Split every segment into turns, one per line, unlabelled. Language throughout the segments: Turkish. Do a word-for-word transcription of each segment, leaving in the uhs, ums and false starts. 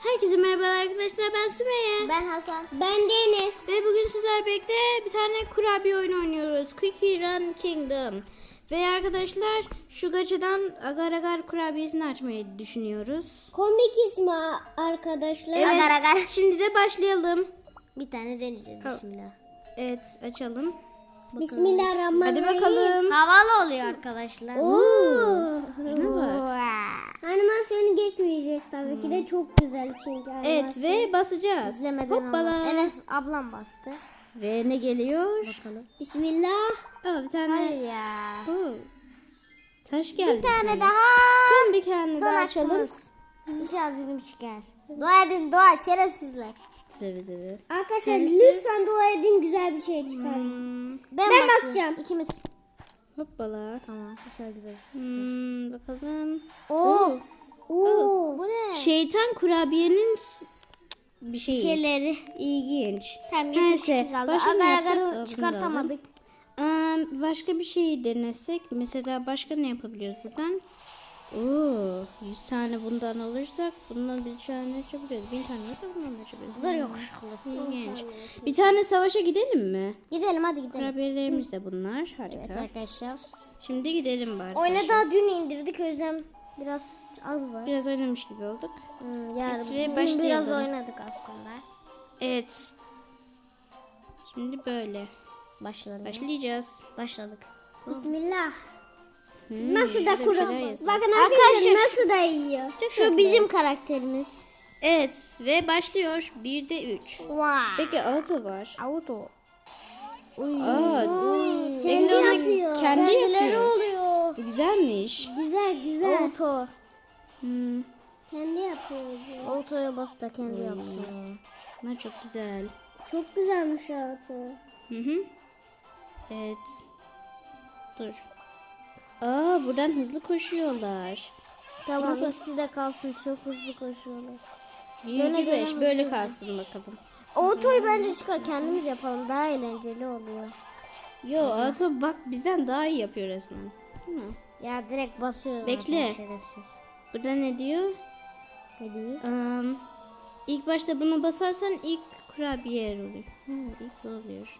Herkese merhabalar arkadaşlar, ben Sümeyye.
Ben Hasan. Ben Deniz.
Ve bugün sizlerle birlikte bir tane kurabiye oyunu oynuyoruz. Cookie Run Kingdom. Ve arkadaşlar şu gaçadan agar agar kurabiyesini açmayı düşünüyoruz.
Komik ismi arkadaşlar.
Evet,
Agar agar.
şimdi de başlayalım.
Bir tane deneyeceğiz.
Oh.
Bismillah.
Evet, açalım.
Bismillahirrahmanirrahim.
Hadi bakalım.
Havalı oluyor arkadaşlar.
Oo. Ne var?
Animasyonu geçmeyeceğiz tabii ki de çok güzel çünkü animasyon.
Evet ve basacağız.
İzlemeden
Hoppala.
olmaz. Enes ablam bastı.
Ve ne geliyor?
Bakalım. Bismillah.
Oh, bir tane.
Hayır ya.
Oh. Taş geldi.
Bir tane daha.
Son bir tane
Son
daha açalım.
hakkımız. İnşallah zulüm çıkar. Dua edin dua şerefsizler.
Tabii tabii.
Arkadaşlar
Serisi.
lütfen dua edin güzel bir şey çıkar.
Hmm.
Ben,
Ben
basacağım.
basacağım.
İkimiz.
Hoppala.
Tamam. Güzel güzel.
Hmm, bakalım.
Oo. Oo. Bu ne?
Şeytan kurabiyenin bir şeyi.
Şeyleri.
İlginç.
Tamam,
Neyse.
yetmiş kaldı.
Başka ne
Agar
yapsak? Aa,
agar
bunu da
çıkartamadık.
alalım. Ee, başka bir şey denesek. Mesela başka ne yapabiliyoruz buradan? Oo, yüz tane bundan alırsak bundan bir tane açabiliyoruz. Bin tane nasıl bundan açabiliyoruz?
Bunlar yakışıklı.
İlginç. Bir tane savaşa gidelim mi?
Gidelim hadi gidelim.
Kurabiyelerimiz de bunlar. Harika.
Evet arkadaşlar.
Şimdi gidelim bari.
Oyuna
savaşa.
daha dün indirdik o yüzden biraz az var.
Biraz oynamış gibi olduk.
Hmm, yani
Evet, ve
dün
başlayalım.
biraz oynadık aslında.
Evet. Şimdi böyle.
Başladık.
Başlayacağız.
Başladık. Bismillah.
Hmm,
Nasıl da
şurada bir şeyler
kuru.
yazıyor.
Bakın
Arkadaşlar,
arkadaşlar nasıl da yiyor.
Çok
Şu
tatlı.
bizim karakterimiz.
Evet ve başlıyor. Bir de üç.
Wow.
Peki auto var.
Auto. Uy.
Aa,
Kendi
Bekle, onu
yapıyor.
Kendi
Kendileri
yapıyor.
oluyor.
Bu güzelmiş.
Güzel güzel. Auto.
Hmm,
Kendi yapıyor. Auto'ya bas da kendi yapsın.
bunlar çok güzel.
Çok güzelmiş auto.
Hı hı. Evet. Dur. Aa, buradan hızlı koşuyorlar.
Tamam
Baba.
ikisi de kalsın çok hızlı koşuyorlar.
yirmi beş
döne
böyle
hızlı
kalsın bakalım.
Auto'yu bence çıkar kendimiz yapalım daha eğlenceli oluyor.
Yo, auto bak bizden daha iyi yapıyor resmen. Değil mi?
Ya direkt basıyor.
Bekle.
zaten şerefsiz.
Burada ne diyor?
Hadi.
Um, ilk başta bunu basarsan ilk kurabiye oluyor. Ha, ilk bu oluyor.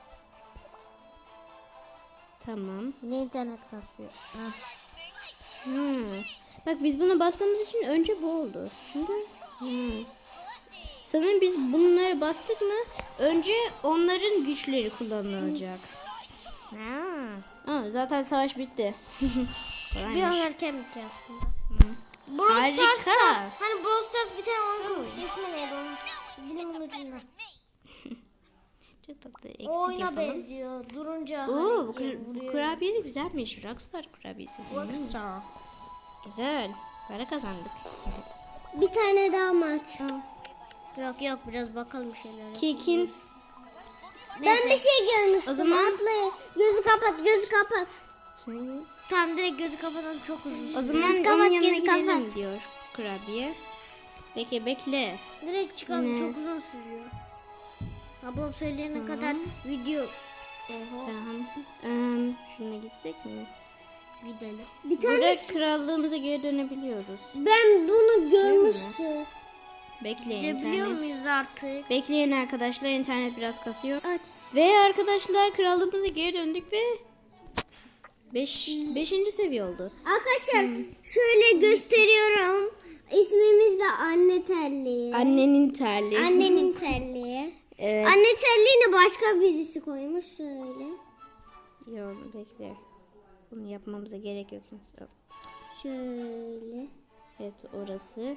Tamam.
Ne internet kasıyor. Ah.
Hmm. Bak biz bunu bastığımız için önce bu oldu. Şimdi hmm. Sanırım biz bunları bastık mı önce onların güçleri kullanılacak.
Ha.
Aa, zaten savaş bitti.
Bir
Kolaymış.
an erken bitti aslında.
Harika.
Hani Brawl Stars bir tane oyun kurmuştu. İsmi neydi onun? Dilimin ucunda.
Çok tatlı. Eksik
O oyuna
yapalım.
benziyor. Durunca
Oo,
hani
bu, kur- bu
vuruyor.
kurabiye de güzelmiş. Rockstar kurabiyesi.
Rockstar.
Güzel. Para kazandık.
Bir tane daha maç. Yok yok biraz bakalım şeylere.
Kekin.
Ben bir şey görmüştüm.
O zaman-
Atlı. Gözü kapat, gözü kapat. Tamam direkt gözü kapatan çok hızlı.
O zaman
Göz
onun
kapat,
yanına
göz
gidelim
kapat.
diyor kurabiye. Bekle bekle.
Direkt çıkalım
Enes.
çok uzun sürüyor. Ablam söyleyene kadar video. Oho.
Tamam. Ee, şuna gitsek mi?
Gidelim. Bir
Burada krallığımıza geri dönebiliyoruz.
ben bunu görmüştüm.
Bekleyin
Gidebiliyor
internet.
muyuz artık?
Bekleyin arkadaşlar, internet biraz kasıyor.
Aç.
Ve arkadaşlar krallığımıza geri döndük ve beş, beşinci seviye oldu.
Arkadaşlar şöyle gösteriyorum. İsmimiz de Anne Telli.
Annenin terliği.
Annenin telliği.
Evet.
Anne telliğini başka birisi koymuş şöyle.
Yok bekle. Bunu yapmamıza gerek yok.
Şöyle.
Evet orası.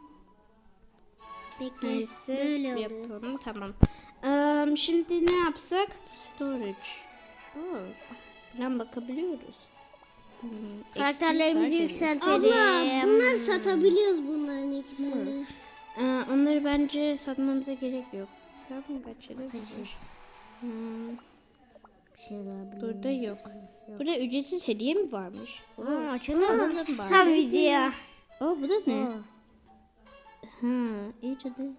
Bekle.
Neyse
Böyle oluyor.
yapalım tamam. Ee, şimdi ne yapsak? Storage. Oo, buradan bakabiliyoruz. Hmm,
Karakterlerimizi
X P
yükseltelim. Abla bunları satabiliyoruz bunların ikisini.
Ee, onları bence satmamıza gerek yok. Tamam kaçalım. Hmm,
Şeyler
burada yok. Burada ücretsiz hediye mi varmış?
Aa, açalım
Alalım
mı?
bari.
Tam video.
Oo bu da ne?
Aa.
Ha, iyice de.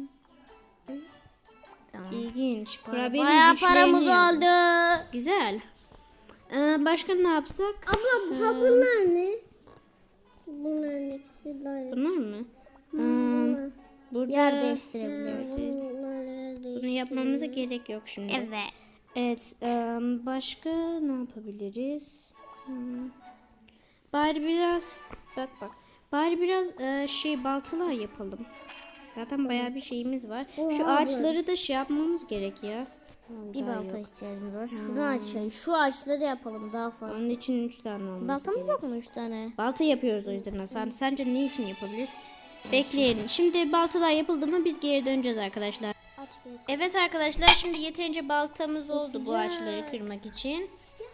Tamam.
İlginç. Kurabiyenin
Bayağı
güçlerini
paramız
yazdı.
oldu.
Güzel. Ee, başka ne yapsak?
Abla ha bunlar ne? Bunların ikisi de.
Bunlar mı? Ee,
Bunlar.
burada
yer değiştirebiliyoruz.
bunu yapmamıza gerek yok şimdi.
Evet.
Evet, em, başka ne yapabiliriz? Hmm. Bari biraz bak bak. Bari biraz e, şey baltalar yapalım. Zaten bayağı bir şeyimiz var. Şu
Oha,
ağaçları da şey yapmamız gerek ya.
Bir
Daha
balta
yok.
ihtiyacımız var. Şunu açalım. Şu ağaçları yapalım daha fazla.
Onun için üç tane olması
Baltamız
gerek.
yok mu üç tane?
Balta yapıyoruz o yüzden Hasan. Sence ne için yapabiliriz? Bekleyelim. Şimdi baltalar yapıldı mı biz geri döneceğiz arkadaşlar.
Aç bir.
Evet arkadaşlar şimdi yeterince baltamız oldu bu ağaçları kırmak için.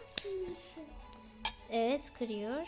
Evet kırıyor.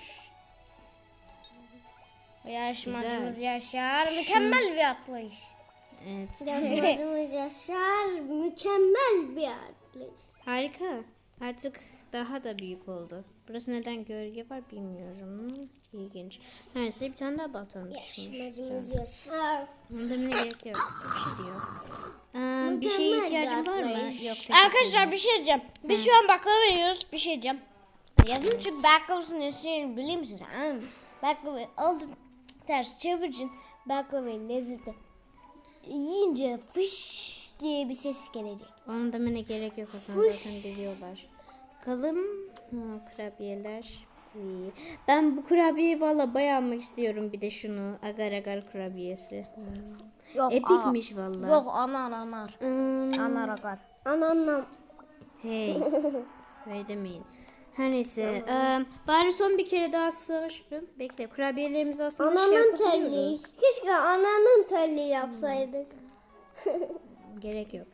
Yarışmacımız Yaşar mükemmel bir atlayış.
Evet.
Yarışmacımız Yaşar mükemmel bir atlayış.
Harika. Artık daha da büyük oldu. Burası neden gölge var bilmiyorum. İlginç. Neyse bir tane daha baltamız düşmüş.
Yarışmacımız Yaşar.
Bunda ne gerek yok. Bir şey diyor. Ee, bir şeye
Mükemmel
ihtiyacın
bir
var mı?
atlayış.
Yok. teşekkür
Arkadaşlar
ederim.
bir şey diyeceğim. Biz şu an baklava yiyoruz. Bir şey diyeceğim. Yazın çünkü baklavasının üstüne biliyor musunuz? Hmm. Baklavayı aldın ters çevireceksin. Baklavayı lezzetli. Yiyince fış diye bir ses gelecek.
Onun demene gerek yok Hasan zaten biliyorlar. Bakalım. Ha, kurabiyeler. İyi. Ben bu kurabiyeyi valla bayağı almak istiyorum bir de şunu. Agar agar kurabiyesi.
Yok,
Epikmiş valla.
Yok anar anar.
Hmm,
Anar agar. Ananam.
hey. Öyle demeyin. Her neyse. eee, bari son bir kere daha savaşalım. Bekle kurabiyelerimizi aslında şey
Ananın telli.
yapabiliyoruz.
Keşke ananın telli yapsaydık.
Gerek yok.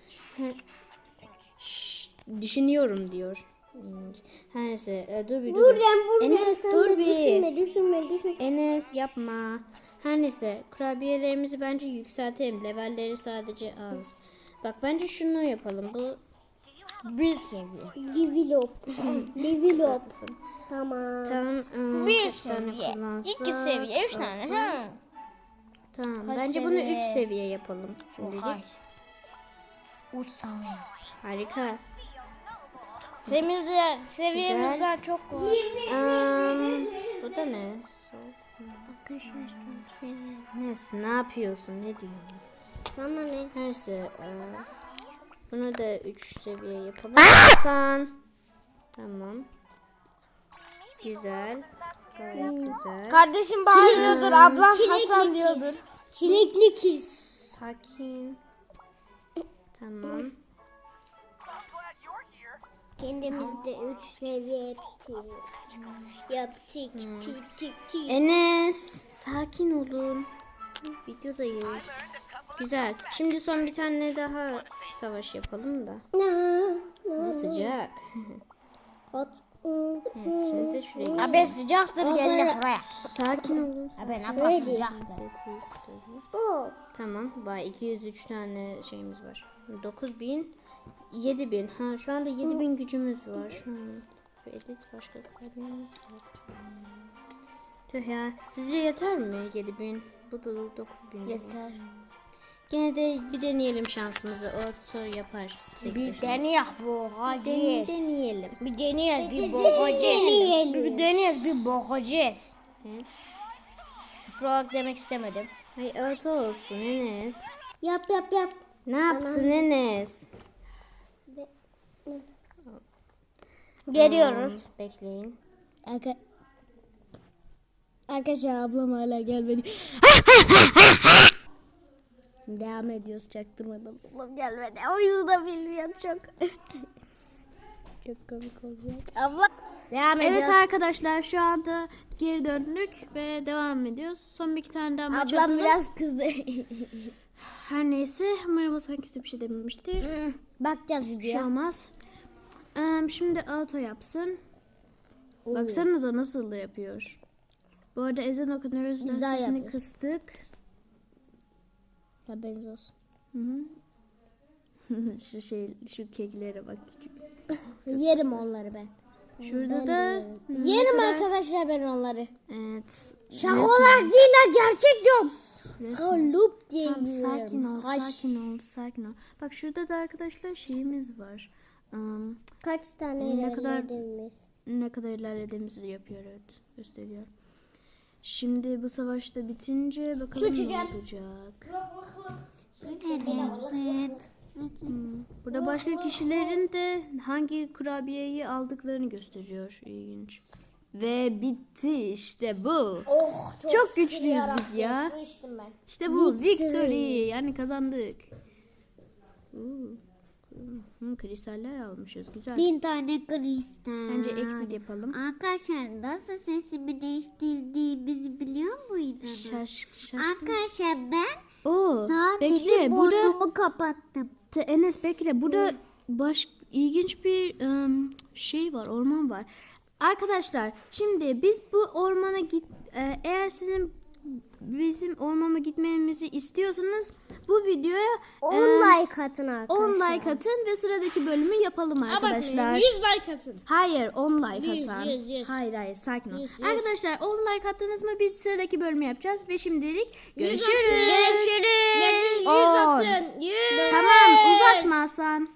Şşş, düşünüyorum diyor. Hmm, Her neyse e, dur bir dur. bir.
Buradan buradan
Enes
sen
dur
de
bir.
düşünme düşünme düşünme.
Enes yapma. Her neyse kurabiyelerimizi bence yükseltelim. Levelleri sadece az. Bak bence şunu yapalım. Bu
Bir seviye. Develop. Develop. Tamam.
tam ıı,
Bir
kaç tane
seviye.
kullansak?
İki seviye. Üç tane.
Altı.
Ha.
Tamam.
Kaç
bence bunu
seviye?
üç seviye yapalım. Şimdilik.
Ohay. Uç seviye.
Harika.
Seviyemizden, seviyemizden çok var.
Am, bu da ne?
Arkadaşlar seviyorum.
Neyse ne yapıyorsun? Ne diyorsun?
Sana ne?
Neyse. e, bunu da üç seviye yapalım. Hasan. Tamam. Güzel. Gayet güzel.
Kardeşim bağırıyordur, ablam Hasan diyordur. Çilekli kız.
Sakin. Tamam.
Kendimizde üç seviye yaptık. Yaptık. Tik tik tik.
Enes. Sakin olun. Videodayız. Güzel. Şimdi son bir tane daha savaş yapalım da. Bu sıcak.
Hot.
Evet, şimdi de şuraya geçelim.
Abi sıcaktır gel buraya.
Sakin olun.
Abi ne sıcaktır.
Sessiz.
Oh.
Tamam. Vay iki yüz üç tane şeyimiz var. dokuz bin. yedi bin. Ha şu anda yedi bin gücümüz var. Hmm. Edit başka kaybımız yok. Tüh ya. Sizce yeter mi yedi bin? Bu da dokuz bin.
Yeter.
Gene de bir deneyelim şansımızı. Orta yapar.
Bir deneyek bu
Den-
hacıyız.
deneyelim.
Bir deneyek bir bakacağız. Bir deneyek bir bakacağız.
Evet.
Frog demek istemedim.
Hay orta olsun Enes.
Yap yap yap.
Ne yaptın Enes?
Geliyoruz.
Hmm, bekleyin.
Arka... Arkadaşlar ablam hala gelmedi. Devam ediyoruz çaktırmadan. Ablam gelmedi. Oyunu da bilmiyor çok. Çok komik olacak. Abla. Devam
Evet
ediyoruz.
arkadaşlar şu anda geri döndük ve devam ediyoruz. Son bir iki tane daha maç
Ablam
atalım.
biraz kızdı.
Her neyse umarım Hasan kötü bir şey dememiştir.
Bakacağız
Bir şey
videoya.
olmaz. Ee, şimdi auto yapsın. Baksanıza nasıl da yapıyor. Bu arada ezan okunuyoruz.
Biz daha
Sesini
yapıyoruz.
kıstık.
Haberiniz olsun.
Hı hı. şu şey şu keklere bak küçük.
Yerim onları ben.
Şurada da
Yerim arkadaşlar ben onları.
evet.
Şaka olarak değil ha gerçek diyorum.
Resmen.
Kalıp diye
Tamam,
yiyorum.
sakin ol,
Haş.
sakin ol, sakin ol. Bak şurada da arkadaşlar şeyimiz var. Um,
Kaç tane
Ne kadar-
ilerlediniz?
ne kadar ilerlediğimizi yapıyor, evet, gösteriyor. Şimdi bu savaşta bitince bakalım ne
içeceğim.
olacak. Hmm, Burada başka kişilerin de hangi kurabiyeyi aldıklarını gösteriyor. İlginç. Ve bitti işte bu.
Oh, çok,
Çok
şükür
güçlüyüz
yarabbim.
biz ya.
Su içtim ben.
İşte bu victory. Yani kazandık. Oo. Hmm, kristaller almışız. Güzel.
Bir tane kristal.
Bence exit yapalım.
Arkadaşlar nasıl sesimi değiştirdiğimizi biliyor muydunuz?
Şaş, şaş.
Arkadaşlar ben
Oo,
sadece
bekle burada
burnumu kapattım.
Te- Enes bekle burada baş ilginç bir ım, şey var, orman var. Arkadaşlar şimdi biz bu ormana git e, eğer sizin bizim ormana gitmemizi istiyorsanız bu videoya
on
e,
like atın arkadaşlar.
on like atın ve sıradaki bölümü yapalım arkadaşlar.
yüz like atın.
Hayır on like
Yüz,
Hasan.
yüz, yüz.
Hayır hayır sakin ol.
Yüz, yüz.
Arkadaşlar on like attınız mı biz sıradaki bölümü yapacağız ve şimdilik görüşürüz.
Görüşürüz.
On.
Yüz atın. Yüz.
Tamam uzatma Hasan.